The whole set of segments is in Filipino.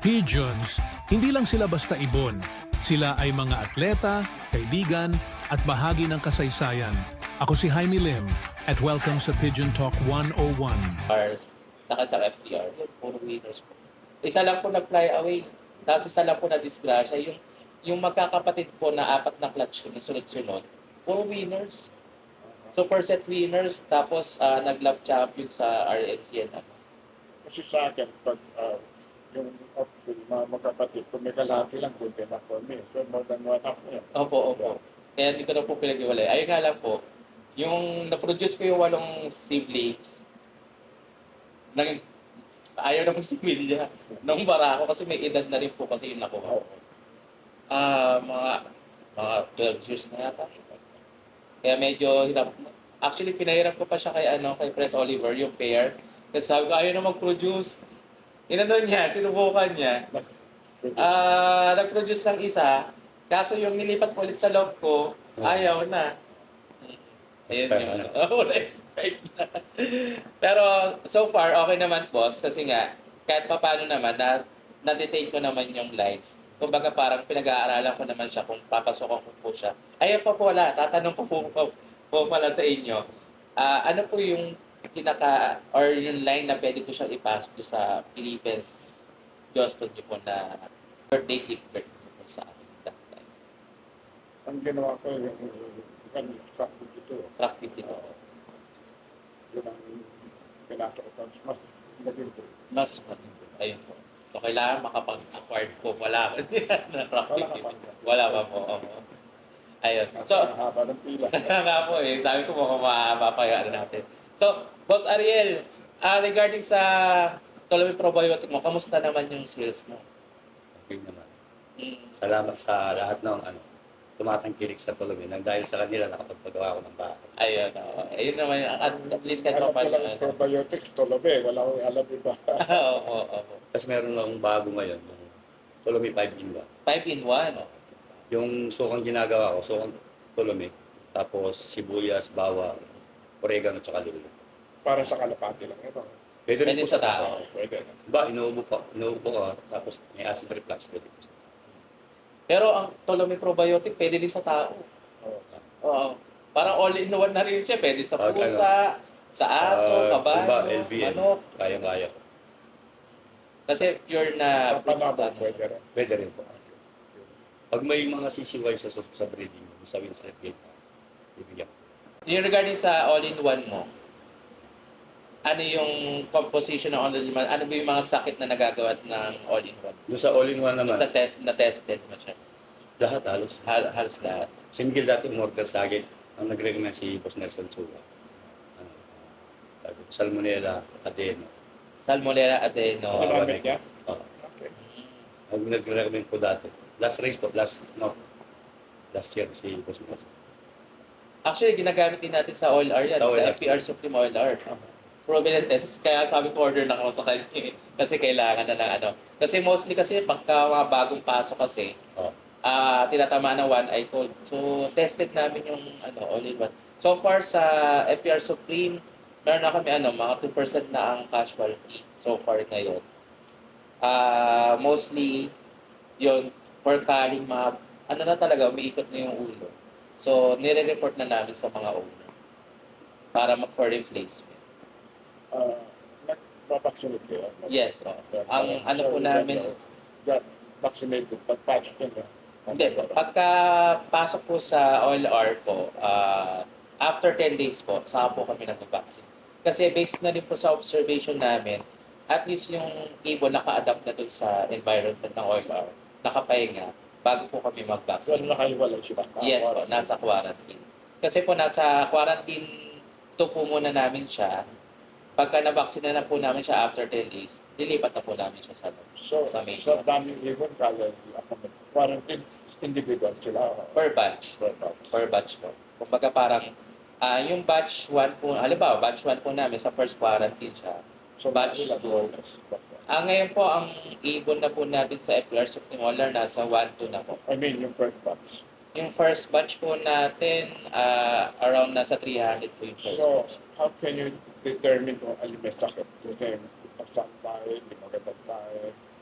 Pigeons, hindi lang sila basta ibon. Sila ay mga atleta, kaibigan, at bahagi ng kasaysayan. Ako si Jaime Lim at welcome sa Pigeon Talk 101. Cars, saka sa FPR, yun, puro winners po. Isa lang po nag-fly away, tapos isa lang po na disgrasya. Yung magkakapatid po na apat na clutch na sunod-sunod, puro winners. Super set winners, tapos nag-lap champion sa RMC and ano. Kasi sa akin, pag yung mga magkapatid, kung may kalahati lang, good enough for me. So, more than one up yan. Opo. Kaya hindi ko na po pinag-iwalay. Ayun nga lang po, yung na-produce ko yung 8 siblings, ayaw na magsimilya nung barako kasi may edad na rin po kasi yung nakuha. Mga 12 years na yata. Kaya medyo hirap. Actually, pinahirap ko pa siya kay Pres Oliver, yung pair. Kasi sabi ko, ayaw na mag-produce. Inano niya, sinubukan niya. Nag-produce lang isa. Kaso yung nilipat ko ulit sa loft ko, ayaw na. Ayun yun. Na-expect na. Pero so far, okay naman, boss. Kasi nga, kahit pa paano naman, na-detain ko naman yung lights. Kumbaga parang pinag-aaralan ko naman siya kung papasokan ko po siya. Ayun pa po wala, tatanong ko po pala sa inyo. Ano po yung or yung line na pwede ko siyang ipasok sa Philippines Johnston niyo po na birthday gift card niyo po sa akin that time. Ang ginawa ko, yung truck dito. Track 52. Yun ang pinasok ko. Tapos mas naging po. Mas ayun po. So, kailangan makapag-acquired po. Wala ko na track Wala ka 52. pa. Wala pa po. Ayun. So, So, haba ng pila. nga po eh. Sabi ko mukhang mahaba pa yung natin. So, Boss Ariel, regarding sa Tolomy Probiotic mo, kamusta naman yung sales mo? Okay naman. Mm. Salamat sa lahat ng tumatangkilik sa Tolomy. Nang dahil sa kanila, nakapagpagawa ko ng bahay. Ayun, ayun naman, at least kahit Alam ko pa lang probiotics, tolobe. Wala ko alam iba. Oo. Tapos meron akong bago ngayon, yung Tolomy 5-in-1. 5-in-1. Yung sukang ginagawa ko, sukang Tolomy, tapos sibuyas, bawang, oregano, tsaka lulo. Para sa kalapati lang ito. Pwede rin Pwede po sa tao. Pwede. Ba, inuubo ka, tapos may acid reflux, pwede po sa tao. Pero ang Tolomy Probiotic, pwede din sa tao. Oo. Oo. Parang all-in-one na rin siya. Pwede sa Pag pusa, sa aso, kabayo, Ba, LBN, manok. kaya-kaya ko. Kasi pure na Sa panabo, foods pwede rin. Pwede rin po. Pag may mga CCY sa breeding, sa Winstead Gate, bibigyan ko. Yung regarding sa all-in-one mo, ano yung composition ng all-in-one? Ano ba yung mga sakit na nagagawa ng all-in-one? Doon sa all-in-one naman, Sa tested mo siya. lahat halos. Halos lahat. Single dati mortar sa akin, ang nagre-recommend si Boss Nelson Chua. Salmonella, adeno. Salmonella adeno. So, Ginamit niya? Oo. Okay. Ang nagre-recommend ko dati. Last year si Boss Nelson. Actually, ginagamit din natin sa Oil R yan. Sa Sa, Oil R. FPR Supreme Oil R. Prominent test. Kaya sabi ko order na ako sa kanya. Kasi kailangan na ng ano. Kasi mostly kasi pagka mga bagong pasok kasi, Oo. tinatamaan ng one eye cold. So, tested namin yung all-in-one. So far sa FPR Supreme, meron na kami mga 2% na ang casualty so far ngayon. Mostly, yun, for calling mga, na talaga, umiikot na yung ulo. So, nire-report na namin sa mga owner para for replacement. Nag-vaccinate kayo? Yes, ang po namin, Vaccinated, pagpasok yun. hindi po, pagka pasok po sa OLR po, after 10 days po, saka po kami nag-vaccine. Kasi based na rin po sa observation namin, at least yung ibon naka-adapt na dun sa environment ng OLR, nakapahinga, bago po kami Pero mag-vaccine. nakahiwalay sila. Yes po, nasa quarantine. Kasi po nasa quarantine 2 po muna namin siya. Pagka na-vaccine na po namin siya after 10 days, dilipat na po namin siya sa main. So, daming ibon kaya quarantine individual sila. Per batch. Per batch po. Kumbaga parang, yung batch 1 po, halimbawa, batch 1 po namin sa first quarantine siya. So, Batch ilan two. bonus? Ngayon po, ang ibon na po natin sa FPR Supreme nasa 1-2 na po. I mean, yung first batch. Yung first batch po natin, around nasa 300 po yung first So, batch. how can you determine kung alin may sakit? Kasi, pagsan tayo, hindi magandang tayo.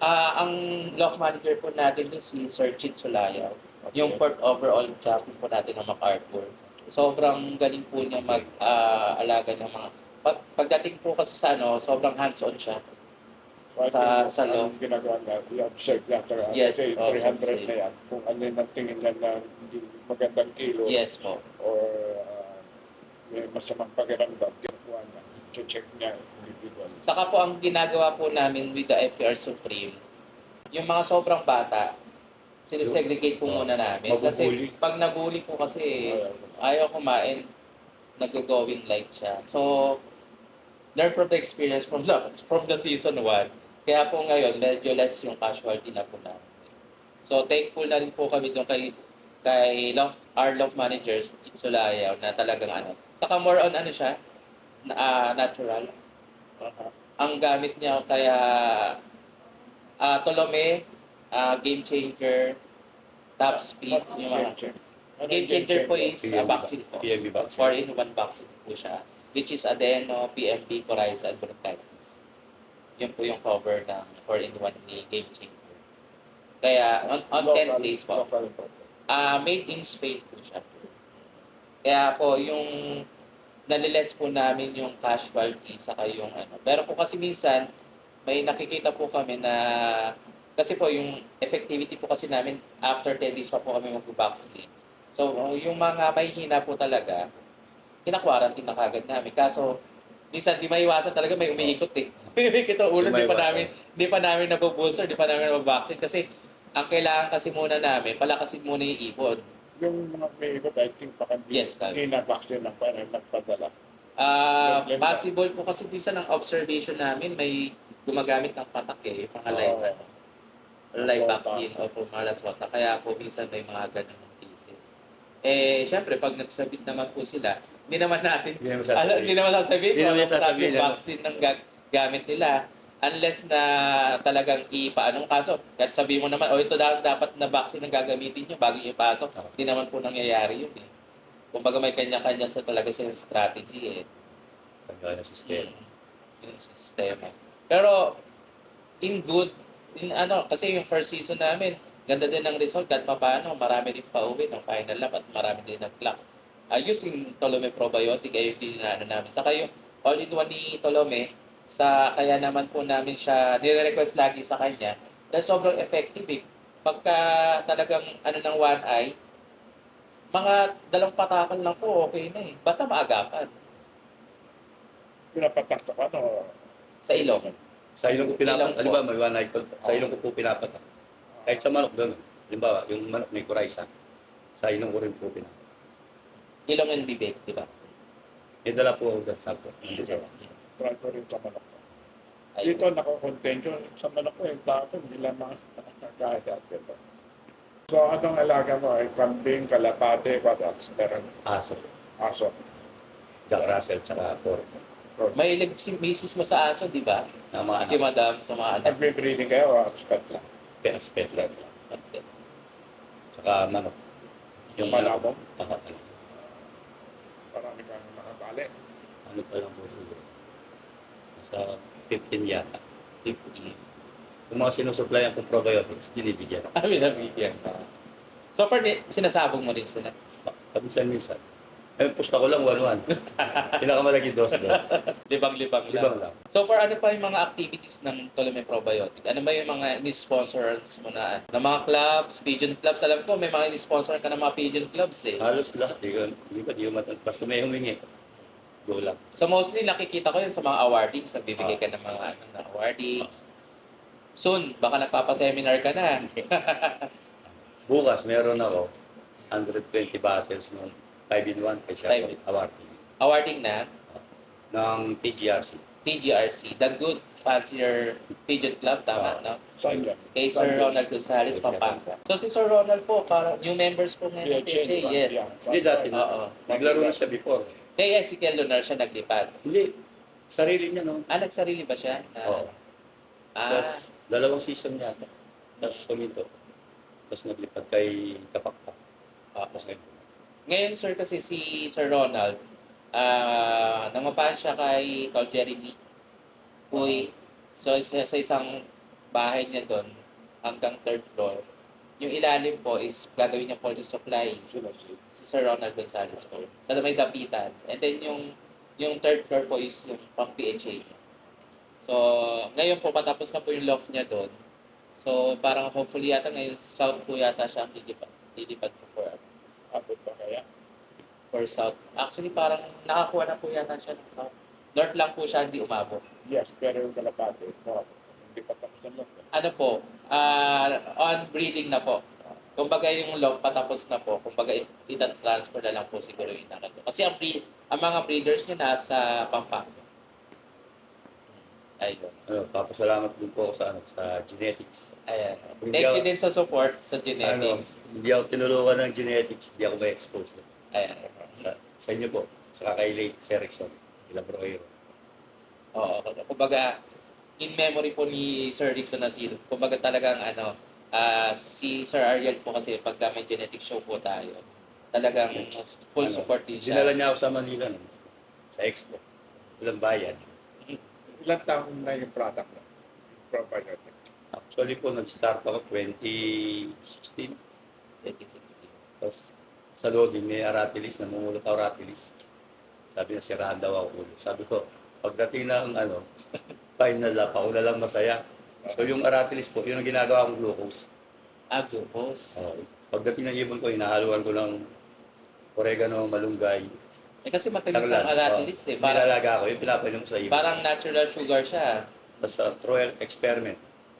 Ang lock manager po natin yung si Sir Chit Sulayaw. Yung fourth overall champion po natin ng MacArthur. Sobrang galing po niya mag-alaga ng mga... Pagdating po kasi sa sobrang hands-on siya. So, Sa law. Ang ginagawa na, i-observe niya. Yes, Kasi also 300 na yan. Kung ano yung tingin niya na hindi magandang kilo Yes po. or may masamang pakiramdam, ginagawa niya. Check niya individual. Saka po ang ginagawa po namin with the FPR Supreme, yung mga sobrang bata, sinisegregate po muna namin. Kasi Mabubuli. pag nabully po kasi ayaw kumain, nag-going light siya. So, learn from the experience from the season 1. Kaya po ngayon, medyo less yung casualty na po namin. So, thankful na rin po kami doon kay our love managers, Jitsulayaw, na talagang Saka more on siya, natural. Ang gamit niya kaya Tolome, game changer, top speed, yung mga game changer po is vaccine po. PMB vaccine. 4-in-1 vaccine po siya, which is adeno, PMB, coryza, and bronchitis. Yun po yung cover ng 4-in-1 ni game changer. Kaya on 10 days po. Made in Spain po siya. Kaya po yung naliles po namin yung casualty saka yung Pero po kasi minsan may nakikita po kami na kasi po yung effectivity po kasi namin after 10 days pa po kami mag-vaccinate. So yung mga may hina po talaga, kina-quarantine na kagad namin. Kaso minsan di maiwasan talaga, may umiikot eh. Umiikot ang ulo, di pa namin nabubooster, di pa namin nababaksin kasi ang kailangan kasi muna namin, palakasin muna yung ipon. Yung mga may ikot, I think baka Yes, hindi na-vaccine ng nagpadala. Possible po kasi minsan ang observation namin may gumagamit ng patak mga live vaccine o po mga laswata. Kaya po minsan may mga ganun cases. Syempre, pag nagsabit naman po sila, hindi naman sasabihin kung anong klase yung vaccine ng gamit nila. Unless na talagang ipaanong kaso. Kahit sabihin mo naman, ito dapat na vaccine ang gagamitin nyo bago nyo ipasok. Hindi naman po nangyayari yun eh. Kumbaga may kanya-kanya sa talaga silang strategy eh. Kanya sistema. Yung sistema. Pero, kasi yung first season namin, ganda din ang result kahit paano, marami din pa-uwi ng final lap at marami din nag-clock. Using Tolome Probiotic, ayun din namin. Saka yung all-in-one ni Tolome, kaya naman po namin siya, nire-request lagi sa kanya, dahil sobrang effective eh. Pagka talagang ng one eye, mga 2 patakan lang po, okay na eh. Basta maagapan. Pinapatak sa Sa ilong. Sa ilong ko Ilong pinapatak. po. Halimbawa, may one night call. Sa ilong ko po pinapatak. Kahit sa manok doon. Halimbawa, yung manok may coryza. Sa ilong ko rin po pinapatak. Ilong and bibig, di ba? May dala po ako doon sa po. Hindi sa try ko rin sa manok ko. Ayun. Dito nakakontent ko sa manok ko yung tapon, hindi lang mga kaya. So anong alaga mo? Ay kambing, kalapate, what else? Meron aso. aso. Jack Russell, tsaka pork. May si misis mo sa aso, di ba? Na mga Si anak. madam sa mga anak. Nagbe-breeding kayo o expert lang? Pet lang. Tsaka manok. Yung Malabong? Ano Marami kang nakabali. pa lang po siguro. Sa 15 yata. 50. Yung mga sinusupply ang probiotics, binibigyan ako. Binabigyan ka. So, sinasabog mo rin sila. Minsan. Pusta ko lang 1-1. Pinakamalaki dos-dos. Libang-libang Libang lang. lang. So, for ano pa yung mga activities ng Tolome Probiotic? Ano ba yung mga ni-sponsors mo na mga clubs, pigeon clubs? Alam ko, may mga ni-sponsor ka ng mga pigeon clubs eh. Halos lahat. Di ko matan. Basta may humingi. Go lang. So, mostly nakikita ko yun sa mga awardings. Nagbibigay ka ng mga na awardings. Soon, baka nagpapa-seminar ka na. Bukas, meron ako 120 bottles ng 5-in-1 kaysa 5-in-1. awarding. Awarding na Ng TGRC. TGRC, The Good Fancier Pigeon Club, tama, no? Saan yan? Kay Sir Ronald Gonzales, Yes, sir. Pampanga. So si Sir Ronald po, parang new members po ngayon ng PHA, yes. Hindi dati na. Oo. Naglaro na siya before. Kay Ezekiel Lunar siya naglipad. Hindi. Sarili niya, no? Nagsarili ba siya? Oo. Ah, Tapos, 2 season yata. Tapos suminto. Tapos naglipad kay Kapakpak. Tapos ngayon. ngayon sir kasi si Sir Ronald, nangupahan siya kay Tol Jeremy Uy. So sa isang bahay niya doon hanggang third floor. Yung ilalim po is gagawin niya poultry supply. Sino si? Si Sir Ronald Gonzales po. Sa may dapitan. And then yung third floor po is yung pang PHA niya. So, ngayon po matapos na po yung loft niya doon. So, parang hopefully yata ngayon south po yata siya ang lilipat po Abot pa kaya? for south. Actually, parang nakakuha na po yata siya ng south. North lang po siya, hindi umabot. Yes, pero yung kalapate, no, hindi pa tapos ang loft. Ano po, on breeding na po. Kumbaga yung log patapos na po. Kumbaga ita-transfer na lang po siguro yung nakito. Kasi ang mga breeders niya nasa Pampanga. Ayun. Papasalamat din po ako sa genetics. Ayan. Hindi Thank you ako- din sa support sa genetics. Hindi ako tinulungan ng genetics, hindi ako ma-expose. Ayan. Sa inyo po, sa kay late Serikson, kila Broero. Oo. Kumbaga, in memory po ni Sir Rickson Nasir, kumbaga talagang si Sir Ariel po kasi pagka may genetic show po tayo, talagang full support din siya. Dinala niya ako sa Manila, no? Sa Expo. Walang bayad. Ilang taon na yung product mo? Probiotic. Actually po, nag-start ako 2016. 2016. Tapos sa loading, may aratilis, namumulot ako aratilis. Sabi niya, siraan daw ako ulo. Sabi ko, pagdating ng final lap, ako na lang masaya. So yung aratilis po, yun ang ginagawa kong glucose. Glucose. Pagdating ng ibon ko, hinahaluan ko ng oregano, malunggay. Kasi matalis Taglan. ang aratilis eh. Parang, Nilalaga ko, yung pinapainom ko sa ibon. parang natural sugar siya. Tapos sa through experiment,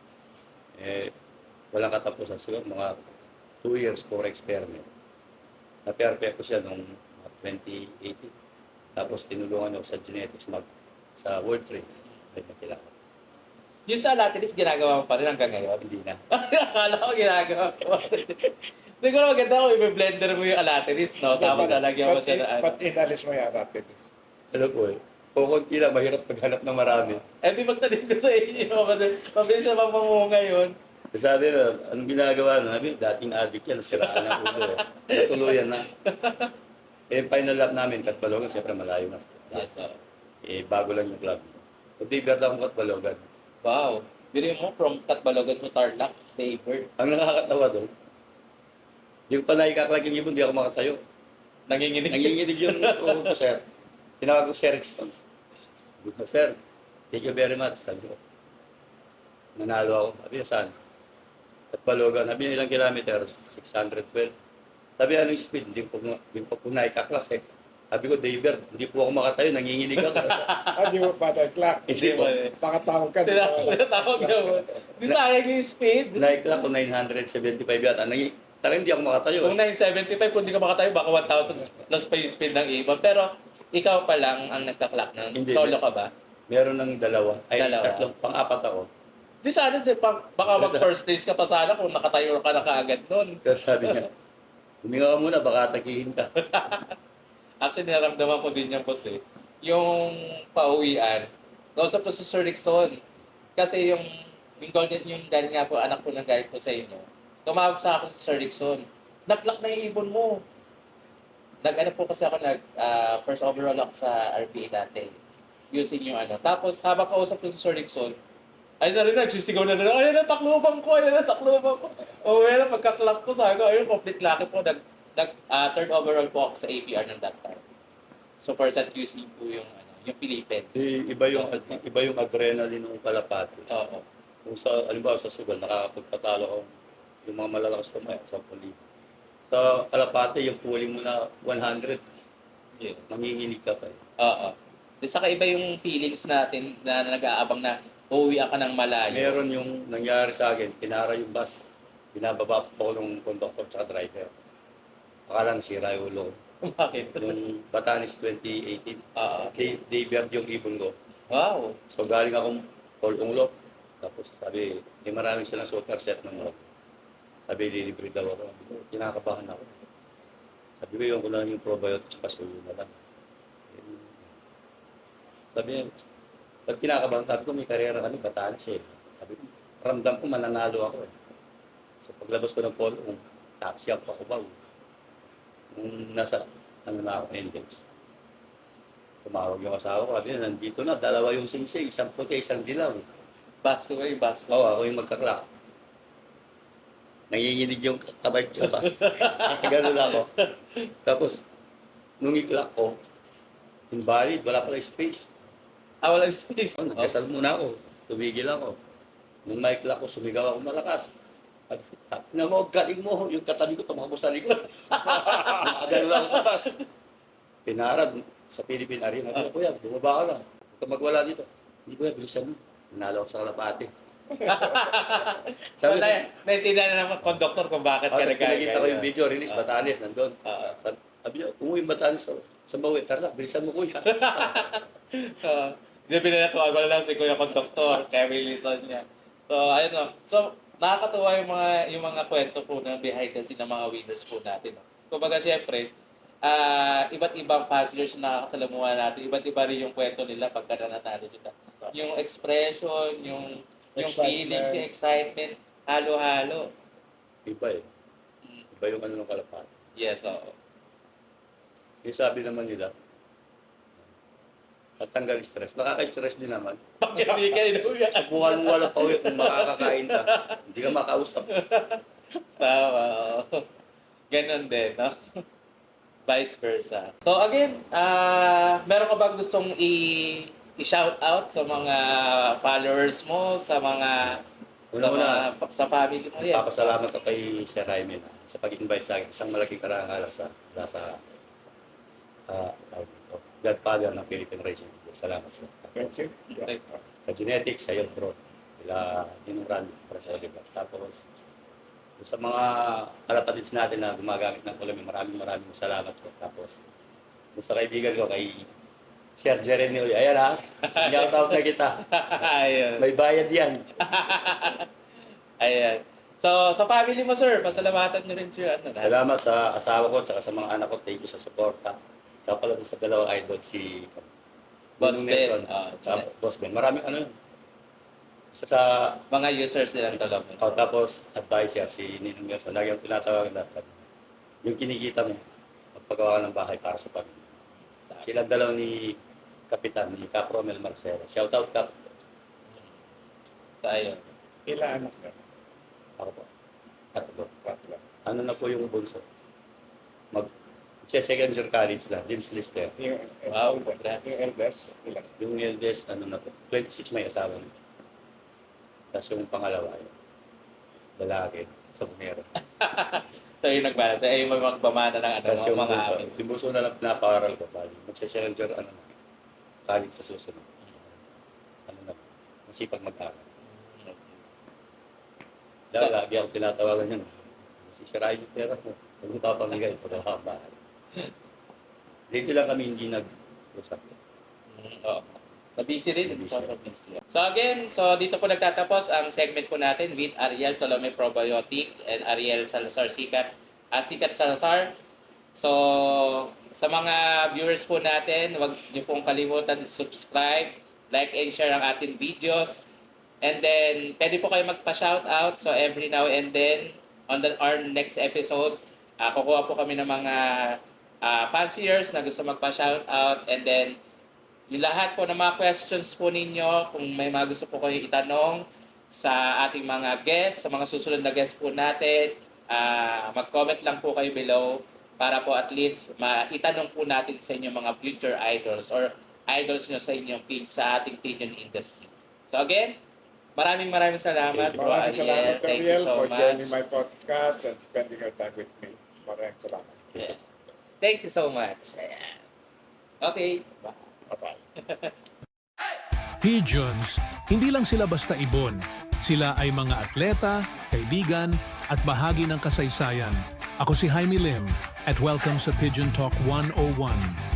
walang katapusan. Siguro mga 2 years for experiment. Na-perfect ko siya noong 2018. Tapos tinulungan ako sa genetics sa World Trade. Ay, nakilala. Yung sa aratilis, ginagawa mo pa rin hanggang ngayon. Hindi na. Akala ko ginagawa mo. Siguro maganda kung i-blender mo yung aratilis, no? Tapos lalagyan mo siya na Ba't inalis mo yung aratilis? Alam po kukunti lang, mahirap maghanap ng marami. Eh, di magtanim ko sa inyo. Kasi mabilis na mamunga yun. Sabi na, anong ginagawa na? Sabi, dating addict yan, siraan ng ulo. Natuluyan na. Final lap namin, Katbalogan, siyempre malayo na. Yes, sir. Bago lang yung club. Hindi gata akong Katbalogan. Wow. Biro mo from Katbalogan to Tarlac, Daybird. Ang nakakatawa doon, hindi ko pa nakikaklag yung ibon, hindi ako makatayo. Nanginginig. Nanginginig yung ulo ko, sir. Tinawag ko si Erickson. Sabi ko, sir, thank you very much. Sabi ko, nanalo ako. Sabi niya, saan? Katbalogan. Sabi niya, ilang kilometers? 612. Sabi niya, anong speed? Hindi ko po nakikaklas eh. Sabi ko, Daybird, hindi po ako makatayo, nanginginig ako. Di mo pa tayo clock. Hindi po. Nakatawag ka. di ba? Tinatawag niya mo. Di sayang yung speed. Nakikla ko 975 yata. Talagang hindi ako makatayo. Kung 975, kung di ka makatayo, baka 1,000 plus pa yung speed ng ibon. Pero ikaw pa lang ang nagka-clock ng Hindi. solo ka ba? Meron ng dalawa. Ay, Dalawa. tatlong, pang-apat ako. Di sana, baka mag first place ka pa sana kung nakatayo ka na kaagad nun. Kaya sabi niya, huminga ka muna, baka atakihin ka. Actually, naramdaman ko din yan, boss eh. Yung pauwian, kausap ko si Sir Rickson. Kasi yung golden, yung galing nga po, anak ko nang galing ko sa inyo. Tumawag sa akin si Sir Rickson. Nag-lock na yung ibon mo. Nag-ano po kasi ako, first overall ako sa RPA dati. Using yung ano. Tapos, habang kausap ko si Sir Rickson, ay na rin, nagsisigaw na rin. Ayun ang taklubang ko, ayun ang taklubang ko. O well, pagka-clock ko, sabi ko, ayun, complete lucky po. Third overall po ako sa APR ng that time. So, first at QC po yung Philippines. Iba yung adrenaline ng kalapati. Oo. Kung sa, alimbawa sa sugal, nakakapagpatalo ko yung mga malalakas tumaya sa puli. Sa kalapati, yung pulling mo na 100, Yes. nanginginig ka pa eh. Oo. Di saka iba yung feelings natin na nag-aabang na uuwi ka ng malayo. Meron yung nangyari sa akin, pinara yung bus. Binababa po ko ng conductor at driver. Akalang sira yung ulo. Bakit? Yung Batanes 2018, Oo. Daybird yung ibon ko. Wow. So galing akong Tolong tapos sabi, may maraming silang superset ng mga. Sabi, lilibre daw ako. Sabi ko, kinakabahan ako. Sabi ko, yung ko lang yung probiotics, pasuyo na lang. Sabi niya, pag kinakabahan, sabi ko, may karera kami, Batanes eh. Sabi ko, ramdam ko, mananalo ako eh. So paglabas ko ng polo, taxi ako pa ba. Nung nasa, na ako, Index. Tumawag yung asawa ko, sabi niya, nandito na, dalawa yung singsing, isang puti, isang dilaw. Basko kayo, basko. Oo, ako yung magka-clock. Nanginginig yung kamay ko sa bus. Ganun ako. Tapos, nung i-clock ko, invalid, wala pala space. Walang space. Oh, nagkasal muna ako. Tumigil ako. Nung may clock ko, sumigaw ako malakas. Sabi na mo, galing mo. Yung katabi ko, tumakbo sa likod. Ganun ako sa bus. Pinarad sa Philippine Arena. Ano kuya, bumaba ka na. Huwag ka magwala dito. Hindi kuya, bilisan mo. Nanalo ako sa Kalapate. So, naintindihan na naman conductor kung bakit ka Tapos nagkaya. pinakita ko yung video, release, Batanes, nandun. Sabi niya, umuwi yung Batanes. Sa bawi, tara, bilisan mo kuya. Hindi pinanatuwa ko lang si Kuya Conductor, kaya bilisan niya. So, ayun o. So, nakakatuwa yung mga kwento po na behind the scene ng mga winners po natin. No? Kumbaga, syempre, iba't ibang fanciers na nakakasalamuhan natin, iba't iba rin yung kwento nila pagka nanatalo sila. Yung expression, yung feeling, yung excitement, halo-halo. Iba eh. Iba yung ano ng Kalapate. Yes, oo. Yung sabi naman nila, tatanggal stress. Nakaka-stress din naman. Bakit hindi ka inuwi? Subukan mo walang pauwi kung makakakain ka. Hindi ka makausap. Tama, oo. Ganon din, no? Vice versa. So again, meron ka bang gustong i-shout out sa mga followers mo, sa mga Una-una, sa family mo? Yes. papasalamat ako kay Sir Jaime sa pag-invite sa akin. Isang malaking karangalan sa Godfather ng Philippine Racing. Salamat sa Thank you. Yeah. sa genetics, sa iyo bro. Ila Ninong para sa Oliver. Tapos sa mga kalapatids natin na gumagamit ng Colombia, maraming salamat po. Tapos sa kaibigan ko kay Sir Jeremy, ayan ha, shout out na kita. Ayun. May bayad yan. Ayan. So, sa family mo, sir, pasalamatan nyo rin siya. Salamat sa asawa ko at sa mga anak ko. Thank you sa suporta. Tsaka pala sa dalawang idol, si Boss Ninong Ben. Nelson, tsaka Boss Ben. Maraming ano yun. Isa sa Mga users nilang talong. tapos advisor si Ninong Nelson. Lagi ang tinatawagan natin. Yung kinikita mo, magpagawa ka ng bahay para sa pamilya. Silang dalaw ni Kapitan, ni Cap Romel Marcelo. Shout out Cap. Sa ayun. Ilan anak na? Ako po. Tatlo. Tatlo. Ano na po yung bunso? Second year college na, Dean's Lister. Yung, Wow, yung congrats. eldest, ilan? Yung eldest, ano na po, 26 may asawa na. Tapos yung pangalawa, yun, lalaki, sa bunero. So, yung nagbalance. Ay, may magbamana ng ano, Tapos yung mga bunso, amin. yung bunso na lang naparal ko, bali. Magse-second year, ano na, college sa susunod. Ano na, masipag mag-aral. Dahil lagi ako tinatawagan yun. Sisirain yung pera mo. Huwag mo papamigay, pagkaka ang bahay. Dito lang kami hindi nag-usap. Oo. Mabisi rin. Mabisi. Sobrang busy. So again, dito po nagtatapos ang segment po natin with Ariel Tolome Probiotic and Ariel Salazar Sikat. Sikat Salazar. So, sa mga viewers po natin, huwag niyo pong kalimutan subscribe, like and share ang ating videos. And then, pwede po kayo magpa-shoutout. So, every now and then, on our next episode, kukuha po kami ng mga fanciers na gusto magpa-shoutout. And then, yung lahat po ng mga questions po ninyo, kung may mga gusto po kayo itanong sa ating mga guests, sa mga susunod na guests po natin, mag-comment lang po kayo below para po at least maitanong po natin sa inyong mga future idols or idols nyo sa inyong sa ating pigeon industry. So again, maraming salamat, Bro Maraming Ariel. salamat, Thank you Ariel, so for joining much. my podcast and spending your time with me. Maraming salamat. Yeah. Thank you so much. Ayan. Okay. Bye. Bye-bye. Pigeons, hindi lang sila basta ibon. Sila ay mga atleta, kaibigan, at bahagi ng kasaysayan. Ako si Jaime Lim at welcome sa Pigeon Talk 101.